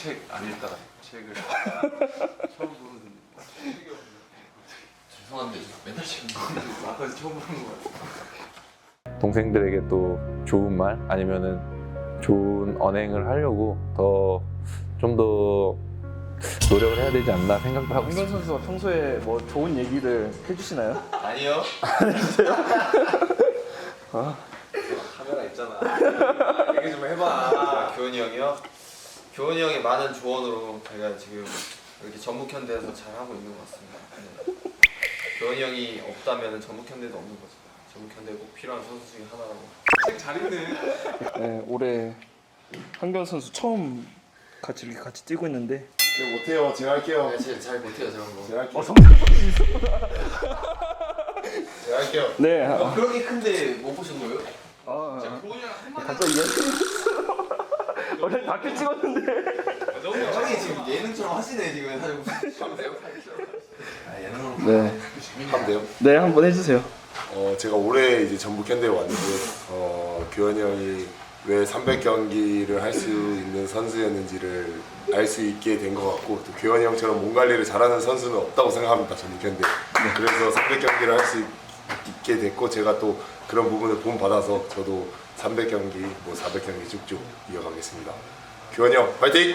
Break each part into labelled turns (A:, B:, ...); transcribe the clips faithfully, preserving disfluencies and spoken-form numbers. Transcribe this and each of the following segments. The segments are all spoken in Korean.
A: 책 안 읽다가 책을 처음 보는 책이 없네.
B: 죄송한데 맨날 지금
A: 아까 처음 보는 거야.
C: 동생들에게 또 좋은 말 아니면은 좋은 언행을 하려고 더 좀 더 노력을 해야 되지 않나 생각도 하고
D: 한경
C: 있습니다.
D: 선수가 평소에 뭐 좋은 얘기를 해주시나요?
B: 아니요.
D: 아,
A: 카메라 있잖아. 얘기 좀 해봐.
B: 아, 교훈이 형이요? 교훈이 형의 많은 조언으로 제가 지금 이렇게 전북현대에서 잘 하고 있는 것 같습니다. 네. 교훈이 형이 없다면 전북현대도 없는 거죠. 전북현대 꼭 필요한 선수 중에 하나라고.
A: 책 잘 읽네.
D: 네, 올해 한경 선수 처음 같이 이렇게 같이 뛰고 있는데
E: 제가 못해요. 제가 할게요.
B: 네, 제가 잘 못해요 저런 거.
E: 제가 할게요.
D: 어, 성적
E: 제가 할게요.
D: 네,
B: 어,
D: 아,
B: 그렇게 큰데 못 보신 거예요?
D: 아,
A: 교훈이랑 한마디
D: 갑자기 얘기 원래 다큐 찍었는데
A: 너무
B: 형이 지금 예능처럼 하시네 지금 사실 무슨 배우팔처럼. 아 예능으로.
D: 네,
E: 하면 돼요.
D: 네 한번 해주세요.
E: 어, 제가 올해 이제 전북현대에 왔는데 어, 규현이 형이 왜 삼백 경기를 할 수 있는 선수였는지를 알 수 있게 된 것 같고 또 규현이 형처럼 몸 관리를 잘하는 선수는 없다고 생각합니다. 전북현대. 그래서 삼백 경기를 할 수 있게 됐고 제가 또 그런 부분을 본받아서 저도 삼백 경기, 뭐 사백 경기 쭉쭉 이어가겠습니다. 규현이 형 파이팅!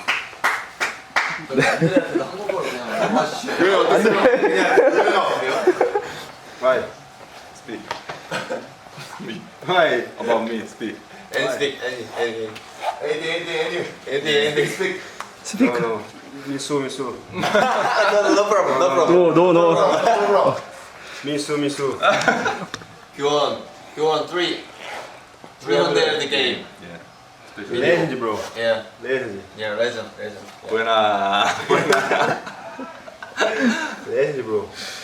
B: 애들한테도 한국어로 그냥 해주시죠.
E: 규현이 형 어땠어요?
B: 그냥
E: 규현이 형!
A: Why? Speak. Me. Why about me? Speak.
B: And speak any any
E: 에디 에디 에디
B: any any speak.
D: 스피커.
A: No, no. Misu, Misu.
B: No no problem no problem.
D: 노, 노, 노.
A: Misu, Misu.
B: 교원 교원 three three hundred the game.
A: Yeah. Legend, bro.
B: Yeah
A: Legend.
B: yeah legend legend.
A: Buena.
F: Legend, bro.